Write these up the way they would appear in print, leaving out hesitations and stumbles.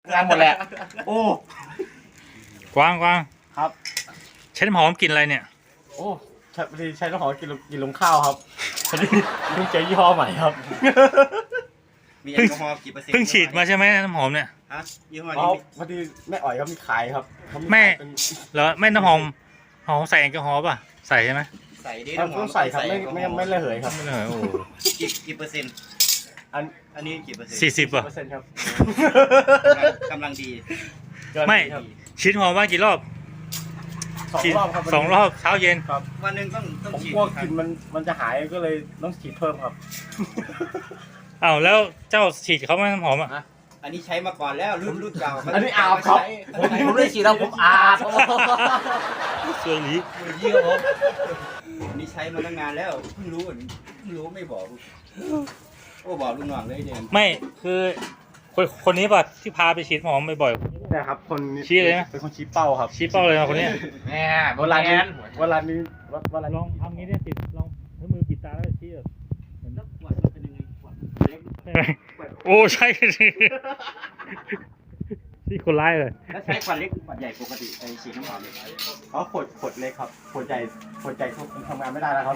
งานหมดแหละโอ้กวางครับใช้น้ำหอมกลิ่นอะไรเนี่ยโอ้พอดีใช้น้ำหอมกินลงข้าวครับพอดีเพิ่งเจอยี่ห้อใหม่ครับมีแอลกอฮอล์กี่เปอร์เซ็นต์เพิ่งฉีดมาใช่ไหมน้ำหอมเนี่ยฮะยี่ห้ออ๋อนี้พอดีแม่อ๋อยเขามีขายครับแม่เหรอแม่น้ำหอมใส่แอลกอฮอล์ป่ะใส่ใช่ไหมใส่ดิต้องใส่ครับไม่ระเหยครับไม่เลยโอ้กี่เปอร์เซ็นต์อันนี้กี่เปอร์เซ็นต์ 40ป่ะ %ครับกำลังดีไม่ฉีดหอมว่ากี่รอบ 2 รอบครับ 2 รอบเช้าเย็นครับวันหนึ่งต้องผมฉีดกลัวกลิ่นมันจะหายก็เลยต้องฉีดเพิ่มครับอ้าวแล้วเจ้าฉีดเขาไหมน้ำหอมอ่ะอันนี้ใช้มาก่อนแล้วรุ่นเก่าอันนี้อาบครับผมได้ฉีดแล้วผมอาบสวยหลียี่ครับผมอันนี้ใช้มาตั้งนานแล้วเพิ่งรู้ไม่บอกโอ้บอกลุงหน่องเลยเดี๋ยวไม่คือคนนี้ป่ะที่พาไปฉีดหอมบ่อยๆนะครับคนชี้เลยนะเป็นคนชี้เป้าครับชี้เป้าเลยนะคนนี้แหมเวลานี้ลองทำงี้ได้ติดลองให้มือปิดตาแล้วชี้แบบขวดมันเป็นยังไงขวดเล็กโอ้ใช่ที่คนร้ายเลยแล้วใช้ขวดเล็กขวดใหญ่ปกติไอฉีดน้ำหอมเลยเขาขวดเล็กครับขวดใหญ่ทำงานไม่ได้แล้วครับ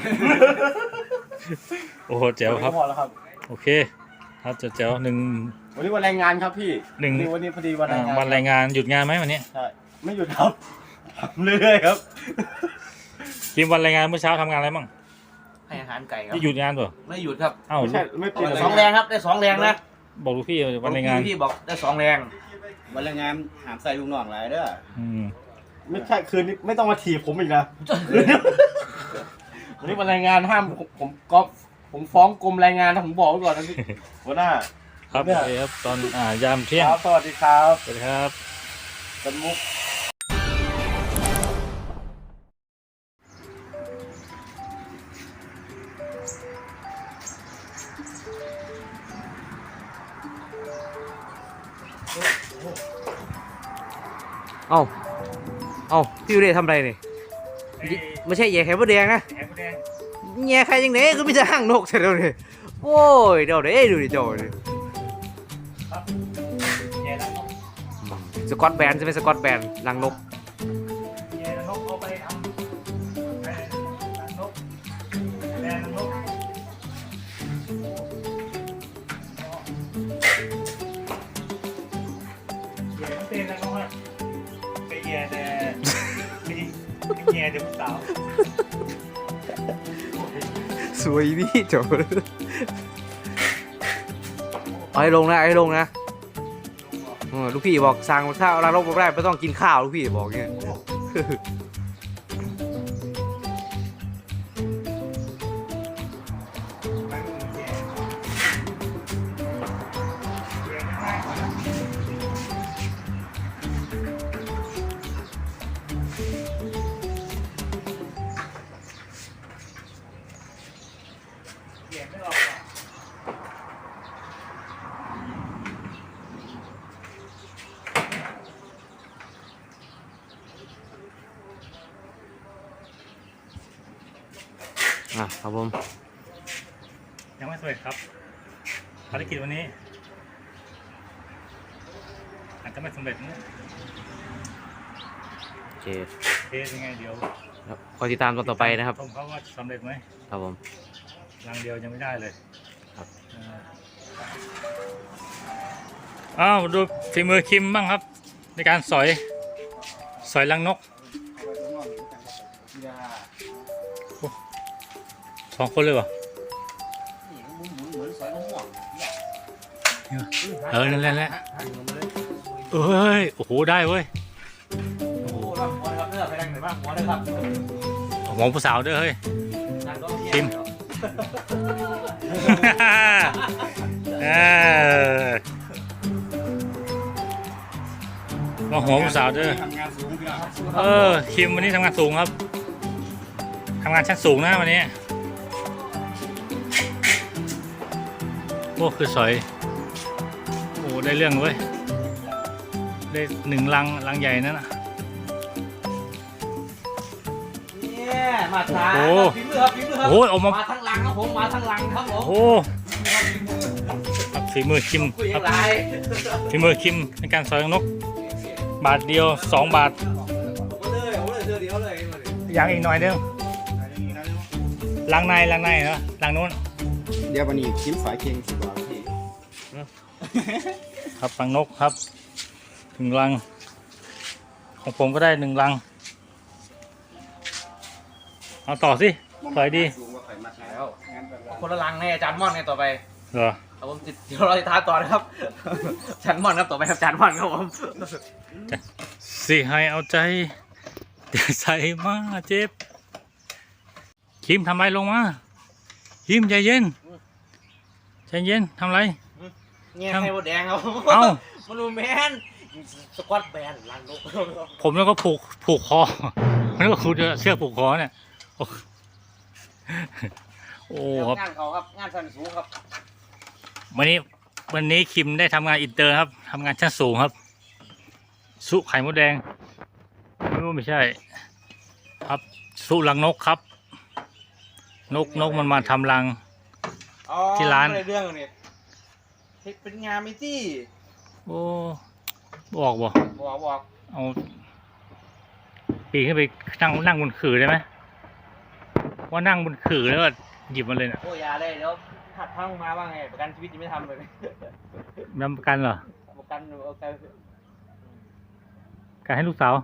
โอ้โหเจ๋วครับพอแล้วครับโอเคครับเจ๋วหนึ่งวันนี้วันแรงงานครับพี่วันนี้พอดีวันแรงงานหยุดงานไหมวันนี้ใช่ไม่หยุดครับทำเรื่อยๆครับทีมวันแรงงานเมื่อเช้าทำงานอะไรบ้างให้อาหารไก่ครับที่หยุดงานป่ะไม่หยุดครับอ้าวไม่เปลี่ยน 2 แรงครับได้2 แรงนะบอกลูกพี่วันแรงงานพี่บอกได้2 แรงวันแรงงานหามใส่ลุงหน่องหลายเด้อไม่ใช่คืนนี้ไม่ต้องมาถีบผมอีกนะวันนี้วันแรงงานห้ามผมฟ้องกรมแรงงานนะผมบอกไว้ก่อนนะพี่หัวหน้าครับโอเคครับตอนยามเที่ยงสวัสดีครับสวัสดีครับเป็นมุกเอาพี่เรย์ทำอะไรนี่ไม่ใช่แย่ไข่มดแดงนะแย่ไข่ยังไงก็ไม่จะห่างนกใช่ไหมเนี่ยโอ้ยเดี๋ยวดูดิโจ้ดิสกอตแบนใช่ไหมสกอตแบนรังนกเดี๋ยวสาวสวยนี่โจ้เอาให้ลงนะลูกพี่บอกสั่งข้าวร้านรบไม่ได้ไม่ต้องกินข้าวลูกพี่บอกเงี้ยครับผมยังไม่สำเร็จครับภารกิจวันนี้อาจจะไม่สำเร็จนะโอเคยังไงเดี๋ยวคอยติดตามต่อไปนะครับผมเขาว่าสำเร็จไหมครับผมรังเดียวยังไม่ได้เลยครับอ้าวดูฝีมือคิมบ้างครับในการสอยรังนก2 คนเลยวะนั่นแหละเอ้ยโอ้โหได้เว้ยหมอผู้สาวด้วยเฮ้ยคิมมาหัวผู้สาวด้วยคิมวันนี้ทำงานสูงครับทำงานชั้นสูงนะวันนี้โอ้คือสอยโอ้ได้เรื่องเว้ยได้1 ลังใหญ่นั่นน่ะมาทางฝีมือครับโอ้ออกมาทั้งลังครับผมมาทั้งลังครับผมโอ้ฝีมือคิมคุยครับอะไรฝีมือคิมในการสอยรังนก บาทเดียว2 บาทเอาเลยเดี๋ยวเลยอย่างอีกหน่อยนึงล้างในเนาะล้างนู้นเดี๋ยววันนี้ชิ้นฝายเคียงสิบกว่าพี่ครับรังนกครับ1 รัง ของผมก็ได้1 รัง เอาต่อสิสอยดีดูว่าไข่มัดแล้วคนละลังให้อาจารย์ม่อนไงต่อไปเหรอครับผมเดี๋ยวเราจะท้าต่อนะครับอาจารย์ม่อนครับต่อไปครับอาจารย์ม่อนครับผมสิให้เอาใจเดี๋ยวใส่มาเจ็บคิมทำไรลงมาคิมใจเย็นทำไรเงี้ยให้บดแดงครับเอ้ามาดูแมนสควอตแบนลังนกผมแล้วก็ผูกคอมันก็คุณเชือกผูกคอเนี่ยโอ้ครับงานเขาครับงานชั้นสูงครับวันนี้คิมได้ทำงานอินเตอร์ครับทำงานชั้นสูงครับสุไข่มดแดงไม่ใช่ ครับสุรังนกครับ นกมันมาทำรัง ที่ร้านเรื่องเนี่ยเป็นงานไหมที่โอ้บอกบ่บอกเอาปีนขึ้นไปนั่งบนขื่อได้ไหมว่านั่งบนขื่อแล้วก็หยิบมาเลยน่ะโอ้ยาเลยเดี๋ยวหัดพังมาว่าไงประกันชีวิตยังไม่ทำเลยนำประกันเหรอประกันเอาใจการให้ลูกสาว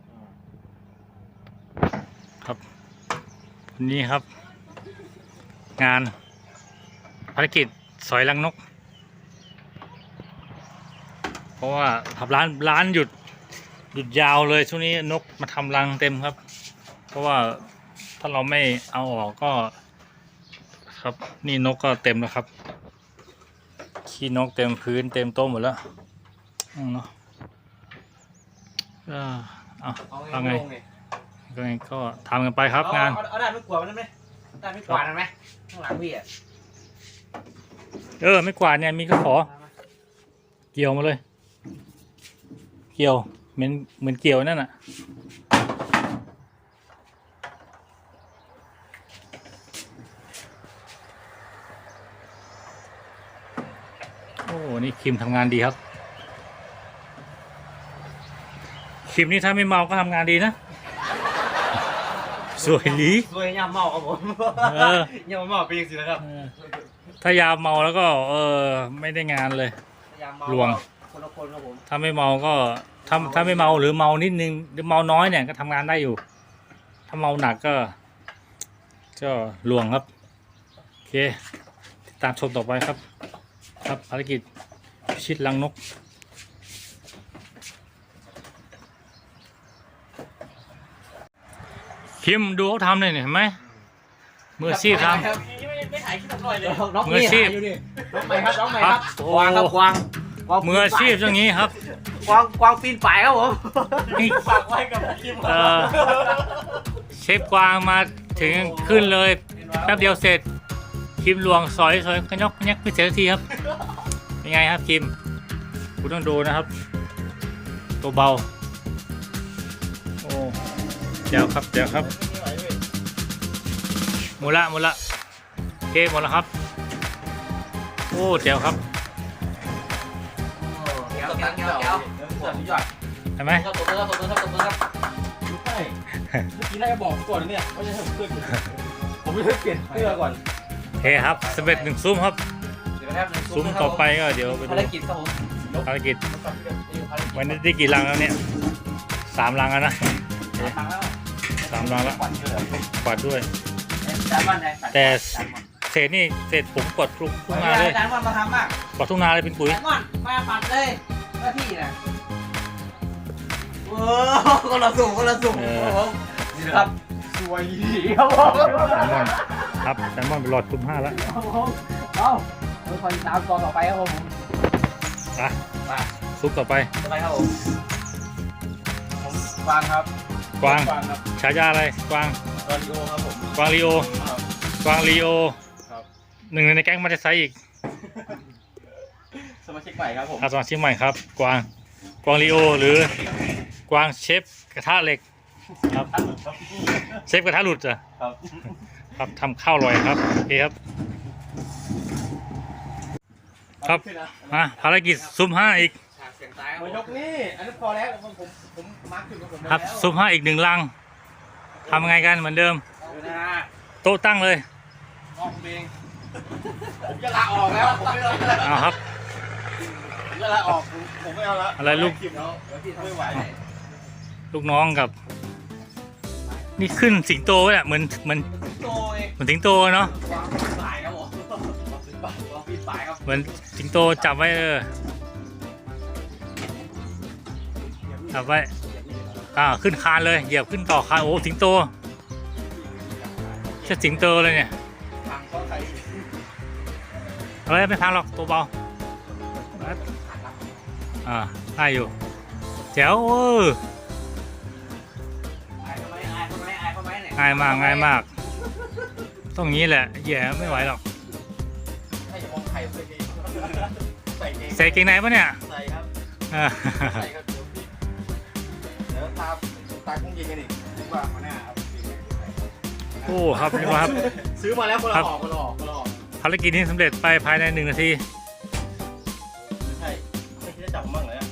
ครับวันนี้ครับ งานภารกิจสอยรังนก เพราะว่าทับร้านหยุดยาวเลยช่วงนี้นกมาทำรังเต็มครับ เพราะว่าถ้าเราไม่เอาออกก็ครับนี่นกก็เต็มแล้วครับขี้นกเต็มพื้นเต็มโต๊ะหมดแล้วเนาะเอาไงก็ทำกันไปครับงานเอาด้านไม่กวาดมันได้ไหมด้านไม่กวาดมันไหมข้างหลังพี่อ่ะไม่กวาดเนี่ยมีก็ขอเกี่ยวมาเลย เกี่ยวเหมือนเกี่ยวนั่นน่ะโอ้นี่คิมทำงานดีครับคิมนี่ถ้าไม่เมาก็ทำงานดีนะสวยดีสวยยามเมาครับผมยามเมาเป็นยังไงนะครับถ้ายาเมาแล้วก็ไม่ได้งานเลยยามเมาลวงคนละคนครับผมถ้าไม่เมาก็ถ้าไม่เมาหรือเมานิดนึงหรือเมาน้อยเนี่ยก็ทำงานได้อยู่ ถ้าเมาหนักก็ลวงครับโอเคติดตามชมต่อไปครับภารกิจพิชิตรังนกคิมดูเขาทำเลยเห็นไหมมืออาชีพทำไม่ถ่ายคลิปหน่อยเลยมืออาชีพน้องใหม่ครับน้องใหม่ครับโอ้กวางครับกวางมืออาชีพอย่างนี้ครับกวางปีนป่ายครับผมนี่ฝากไว้กับคิมเชฟกวางมาถึงขึ้นเลยแป๊บเดียวเสร็จคิมลวงสอยกระยกกระยักไม่เสร็จทีครับเป็นไงครับคิมคุณต้องดูนะครับ ตัวเบาโอ้เดี๋ยวครับหมดละโอเคหมดแล้วครับโอ้เดี๋ยวครับเดี๋ยวสุดยอดเห็นไหมตบมือครับใช่เมื่อกี้น่าจะบอกก่อนเนี่ยว่าจะให้ผมเปลี่ยนผมไม่ได้เปลี่ยนเสื้อก่อนโอเคครับสำเร็จ1 ซุ้มครับเดี๋ยวนะครับซุ้มต่อไปก็เดี๋ยวไปดูภารกิจครับผมภารกิจวันนี้ได้กี่รังแล้วเนี่ย3 รังแล้วนะ 3 รังแล้วกวาดด้วย แต่เศษนี่เศษผมกดทุกนาเลยอาจารย์มันมาทำมากกดทุกนาเลยเป็นปุ๋ยอาจารย์มันมาปัดเลยหน้าที่นะโอ้คนละสูงนี่นะครับสวยดีครับผมแซลมอนไปหลอดซุ้ม5แล้วเอาคอยตามตอนต่อไปครับผมซุปต่อไปต่อไปครับผมผมฟังครับกวางฟังครับฉายาอะไรกวางตอนดีโอครับผมกวางลีโอครับกวางลีโอครับหนึ่งในแก๊งมันจะไซอีกสมาชิกใหม่ครับผมสมาชิกใหม่ครับกวางลีโอหรือกวางเชฟกระทะเหล็กครับเชฟกระทะหลุดจ้ะครับครับทำข้าวอร่อยครับโอเคครับเอาครับมาภารกิจซุ่ม5อีกมายกนี่อันนี้พอแล้วผมมาร์คจุดของผมครับซุ่ม5อีก1 ลังทำไงกันเหมือนเดิม โต๊ะตั้งเลยผมจะลาออกแล้วผมไม่เอาแล้วเอาครับผมจะลาออกผมไม่เอาแล้วอะไรลูกไม่ไหวลูกน้องกับ นี่ขึ้นสิงโตเนี่ยเหมือนโตเองเหมือนสิงโตเนาะวางสายครับผมวางปีนสายครับเหมือนสิงโตจับไว้จับไว้ขึ้นคานเลยเหยียบขึ้นต่อคานโอ้สิงโตใช่สิงโตเลยเนี่ยทางก็ใครเฮ้ยไม่พังหรอกตัวเบาได้อยู่แจ๋วง่ายมากต้องงี้แหละแย่ไม่ไหวหรอกให้จะมองใครเลยดีใส่เองใส่เกงในปะเนี่ยใส่ครับอ่าใส่ครับเดี๋ยวตาคงยิงกันอีกว่ามาหน้าครับโอ้ครับนี่ว่าครับซื้อมาแล้วคนละออกคนละออกคนละออกภารกิจนี้สำเร็จไปภายใน1 นาทีไม่ใช่ไม่คิดจะจับผมบ้างเลยอะ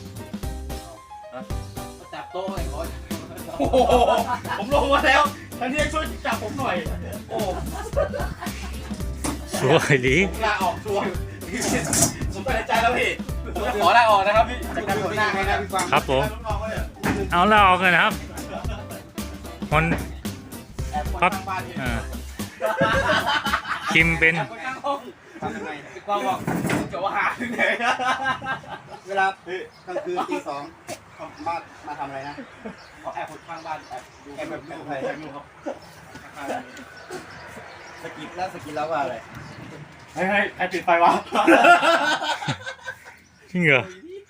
จับโต๊ะไอ้คนโอ้โหผมลงมาแล้วท่านที่ช่วยจับผมหน่อย โอ้สวยดีผมลาออกชัวร์ผมตัดสินใจแล้วพี่ผมจะขอลาออกนะครับพี่จากการหัวหน้าให้นะพี่ฟังครับผมเอาแล้วออกกันนะครับคนแอบคนครับข้างบ้านพี่คิมเป็นแอบคนข้างห้องทำยังไงพี่กวางบอกจะว่าหาที่ไหนเวลากลางคืนตี 2มาทำอะไรนะขอแอบคนข้างบ้านแอบดูแอบแบบดูใครแอบดูครับสกิดแล้วว่าอะไรให้ใครปิดไฟวะจริงเหรอ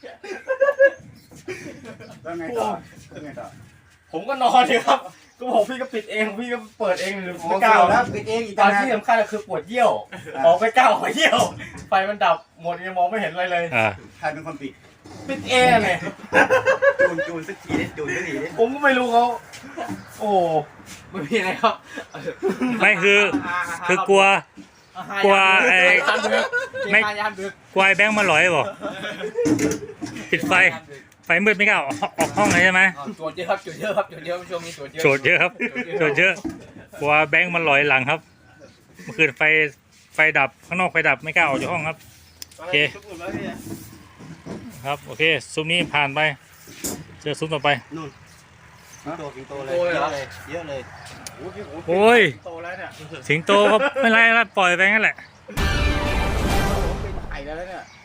แล้วไงต่อแล้วไงต่อผมก็นอนเลยครับก็บอกพี่ก็ปิดเองพี่ก็เปิดเองหรือโอ้ไม่เก่ากล้าแล้วปิดเองอีกตต่าอง นหากที่สำคัญคือปวดเยี่ยวออกไม่กล้าออกเยี่ยวไฟมันดับหมดยังมองไม่เห็นอะไรเลยใครเป็นคนปิดปิดเองเลยจูนสักทีดิจูนสักทีดิผมก็ไม่รู้เขาโอ้ไม่มีอะไรครับไม่คือกลัวไอ้ไม่กลัวไอ้แบงค์มาหลอยบอกปิดไฟมืดไม่กล้าออกห้องเลยใช่ไหมโจทย์เยอะครับโจทย์เยอะครับโจทย์เยอะช่วงนี้โจทย์เยอะโจทย์เยอะครับโจทย์เยอะกลัวแบงค์มันหลอยหลังครับเมื่อคืนไฟดับข้างนอกไฟดับไม่กล้าออกจากห้องครับโอเคครับโอเคซุ้มนี้ผ่านไปเจอซุ้มต่อไปตัวสิงโตเลยเยอะเลยโอ้ยโตแล้วเนี่ยสิงโตก็ไม่ไรแล้วปล่อยไปงั้นแหละเป็นไข่แล้วเนี่ย